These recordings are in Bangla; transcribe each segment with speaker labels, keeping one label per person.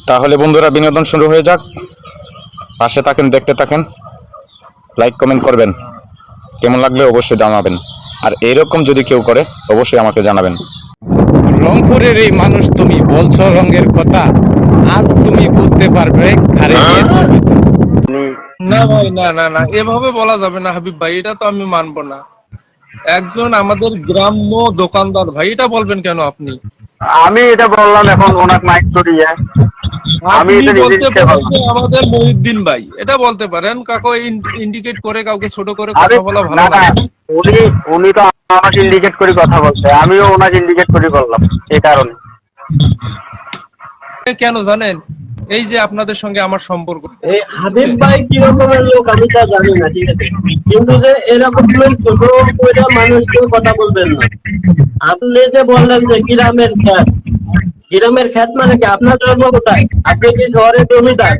Speaker 1: তাহলে বন্ধুরা বিনোদন শুরু হয়ে যাক। পাশে থাকেন, দেখতে থাকেন, লাইক কমেন্ট করবেন, কেমন লাগলে অবশ্যই জানাবেন। আর এরকম যদি কেউ করে অবশ্যই আমাকে জানাবেন। রংপুরের এই মানুষ, তুমি বলছো রঙের কথা, আজ তুমি বুঝতে পারবে ঘাড়ে নিয়ে ছবি।
Speaker 2: না ভাই, না না না, এভাবে বলা যাবে না হাবিব ভাই, এটা তো আমি মানবো না। একজন আমাদের গ্রাম্য দোকানদার ভাই, এটা বলবেন কেন আপনি?
Speaker 3: আমি এটা বললাম এখন ওনাকে মাইক করিয়ে। আমি
Speaker 2: আপনি
Speaker 3: এটা নিজে
Speaker 2: বলতে
Speaker 3: ইচ্ছে
Speaker 2: পারেন
Speaker 3: বললাম।
Speaker 2: যে আমাদের মহিউদ্দিন ভাই, এটা বলতে পারেন। কাউকে ইন্ডিকেট করে, কাউকে ছোট করে
Speaker 3: আমি
Speaker 2: কথা বলা ভালো
Speaker 3: না
Speaker 2: না।
Speaker 3: না, উনি উনি তো আমাকে ইন্ডিকেট করে কথা বলছে, আমিও ওনাকে ইন্ডিকেট করে বললাম এই কারণে।
Speaker 2: কেন জানেন? এই যে আপনাদের সঙ্গে আমার সম্পর্ক,
Speaker 4: এই হাবিব ভাই কি রকমের লোক আমি তা জানি না, ঠিক আছে, কিন্তু যে এরকম ছোট করে মানুষকে কথা বলবেন না। আপনি যে বললেন যে গ্রামের খ্যাত, গ্রামের খ্যাত মানে কি? আপনার জন্ম কোথায়? আপনি কি শহরের জমিদার?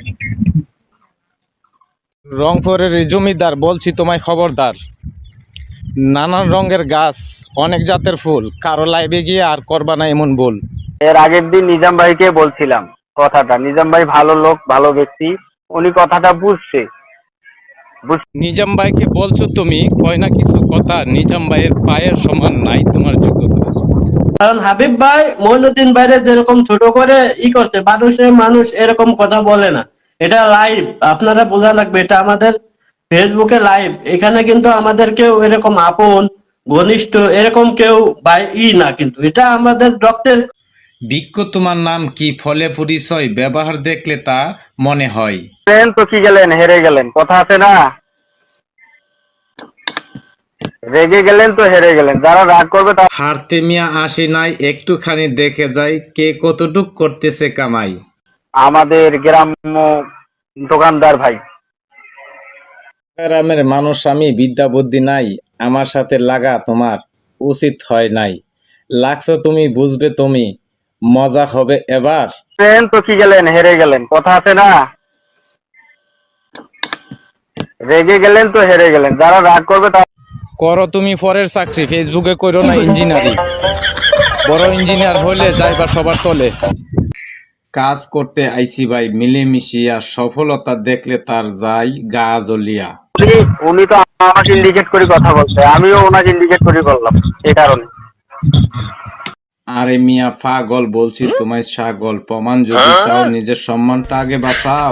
Speaker 1: রংপুরের এই জমিদার বলছি তোমায় খবরদার। নানান রঙের গাছ, অনেক জাতের ফুল, কারো লাইভে গিয়ে আর করবা না এমন ভুল।
Speaker 3: এর আগের দিন নিজাম ভাইকে বলছিলাম কথাটা। নিজাম ভাই ভালো লোক, ভালো ব্যক্তি, উনি কথাটা বুঝছে।
Speaker 1: নিজাম ভাইকে বলছো তুমি, কয় না কিছু কথা, নিজাম ভাইয়ের পায়ের সমান নাই তোমার যোগ্যতা।
Speaker 4: কারণ হাবিব ভাই মইনুদ্দিন ভাইরে যেরকম ছোট করে করছে, মানুষ এরকম কথা বলে না। এটা লাইভ, আপনারা বোঝা লাগবে, এটা আমাদের ফেসবুকে লাইভ। এখানে কিন্তু আমাদের কেউ এরকম আপন ঘনিষ্ঠ এরকম কেউ ভাই না, কিন্তু এটা আমাদের রক্তের।
Speaker 1: বিক্ষ তোমার নাম কি, ফলে পরিচয়, ব্যবহার দেখলে তা মনে হয়।
Speaker 3: তো কি গেলেন, হেরে গেলেন, কথা আছে না? রেগে গেলেন তো হেরে গেলেন। যারা রাগ করবে তারা
Speaker 1: হারতে মিয়া আসি নাই, একটুখানি দেখে যাই কে কতটুক করতেছে কামাই।
Speaker 3: আমাদের গ্রাম্য দোকানদার ভাই।
Speaker 1: গ্রামের মানুষ আমি, বিদ্যা বুদ্ধি নাই, আমার সাথে লাগা তোমার উচিত হয় নাই। লাগছো তুমি, বুঝবে তুমি, মজা হবে এবার।
Speaker 3: তো কি গেলেন, হেরে গেলেন, কথা আছে না? রেগে গেলেন তো হেরে গেলেন। যারা রাগ করবে তারা
Speaker 1: করো তুমি পরের চাকরি, ফেসবুকে করো না ইঞ্জিনিয়ারিং। বড় ইঞ্জিনিয়ার হইলে যাইবা সবার তলে। কাজ করতে আইসি ভাই মিলেমিশিয়া, সফলতা দেখলে তার যাই গা জ্বলিয়া।
Speaker 3: উনি উনি তো আমাকে ইন্ডিকেট করে কথা বলছে, আমিও ওনাকে ইন্ডিকেট করে বললাম এই কারণে।
Speaker 1: আরে মিয়া পাগল, বলছি তোমায় ছাগল, প্রমাণ যদি চাও নিজের সম্মানটা আগে বাঁচাও।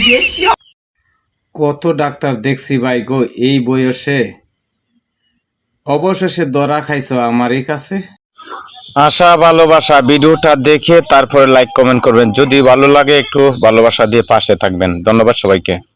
Speaker 1: কত ডাক্তার দেখছি ভাই গো এই বয়সে, অবশেষে ধরা খাইছো আমারই কাছে। আশা ভালোবাসা ভিডিওটা দেখে তারপরে লাইক কমেন্ট করবেন, যদি ভালো লাগে একটু ভালোবাসা দিয়ে পাশে থাকবেন। ধন্যবাদ সবাইকে।